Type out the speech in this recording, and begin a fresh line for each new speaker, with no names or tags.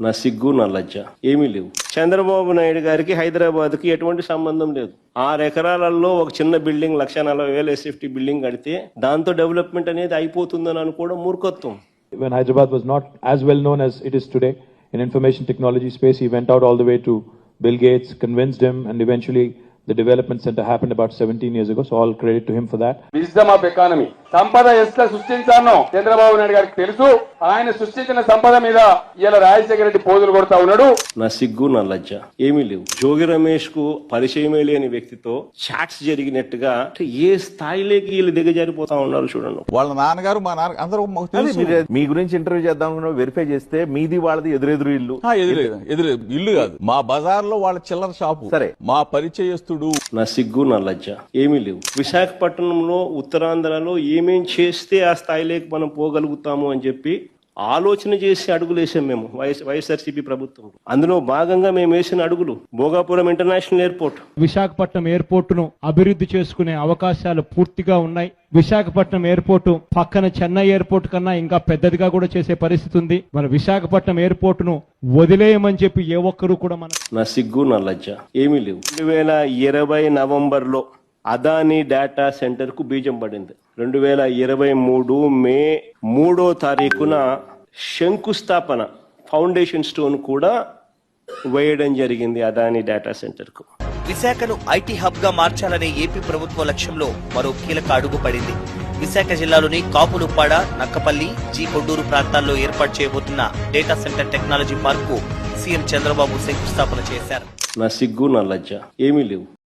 నా సిగ్గు నా లజ్జ ఏమీ లేవు. చంద్రబాబు నాయుడు గారికి హైదరాబాద్ కి ఎటువంటి సంబంధం లేదు. 6 ఎకరాలలో ఒక చిన్న బిల్డింగ్ 1,40,000 SFT బిల్డింగ్ కడితే దాంతో డెవలప్మెంట్ అనేది అయిపోతుందని అనుకోవడం మూర్ఖత్వం.
When Hyderabad was not as well known as it is today in information technology space, he went out all the way to Bill Gates, convinced him, and eventually the development center happened about 17 years ago. So all credit to him for that.
Wisdom of economy. సంపద ఎట్లా సృష్టించానో చంద్రబాబు నాయుడు గారికి తెలుసు. ఆయన సృష్టించిన సంపద మీద ఇలా రాజశేఖర రెడ్డి పోజులు కొడతా ఉన్నాడు.
నా సిగ్గు నా లజ్జ ఏమీ లేవు. జోగి రమేష్ కు పరిచయమే లేని వ్యక్తితో చాట్స్ జరిగినట్టుగా ఏ స్థాయిలోకి వీళ్ళు దిగజారిపోతా ఉన్నారు చూడండి.
వాళ్ళ నాన్నగారు మా నాన్న అందరూ
మీ గురించి ఇంటర్వ్యూ చేద్దాం వెరిఫై చేస్తే మీది వాళ్ళది ఎదురెదురు ఇల్లు.
ఎదురు ఇల్లు కాదు, మా బజార్ లో వాళ్ళ చిల్లర షాపు.
సరే,
మా పరిచయస్తుడు.
నా సిగ్గు నా లజ్జ ఏమీ లేవు. విశాఖపట్నంలో ఉత్తరాంధ్రలో ఏమేం చేస్తే ఆ స్థాయిలోకి మనం పోగలుగుతాము అని చెప్పి ఆలోచన చేసి అడుగులు వేసాం మేము వైఎస్ఆర్సీపీ ప్రభుత్వం. అందులో భాగంగా మేము వేసిన అడుగులు Bhogapuram international airport.
Visakhapatnam airport ను అభివృద్ధి చేసుకునే అవకాశాలు పూర్తిగా ఉన్నాయి. విశాఖపట్నం ఎయిర్పోర్ట్ పక్కన చెన్నై ఎయిర్పోర్ట్ కన్నా ఇంకా పెద్దదిగా కూడా చేసే పరిస్థితి ఉంది. మన విశాఖపట్నం ఎయిర్పోర్ట్ ను వదిలేయమని చెప్పి ఏ ఒక్కరు కూడా
నా సిగ్గు నా లజ్జ ఏమీ లేవు. 2020 నవంబర్లో అదానీ డేటా సెంటర్ కు బీజం పడింది. 2023 మే 3వ తారీఖున శంకుస్థాపన ఫౌండేషన్ స్టోన్ కూడా వేయడం జరిగింది అదానీ డేటా సెంటర్ కు.
విశాఖను ఐటీ హబ్ గా మార్చాలనే ఏపీ ప్రభుత్వ లక్ష్యంలో మరో కీలక అడుగు పడింది. విశాఖ జిల్లాలోని కాపులుప్పాడ, నక్కపల్లి, జీ కొడ్డూరు ప్రాంతాల్లో ఏర్పాటు చేయబోతున్న డేటా సెంటర్ టెక్నాలజీ పార్క్ కు సీఎం చంద్రబాబు శంకుస్థాపన చేశారు.
నా సిగ్గు నా లజ్జ ఏమీ లేవు.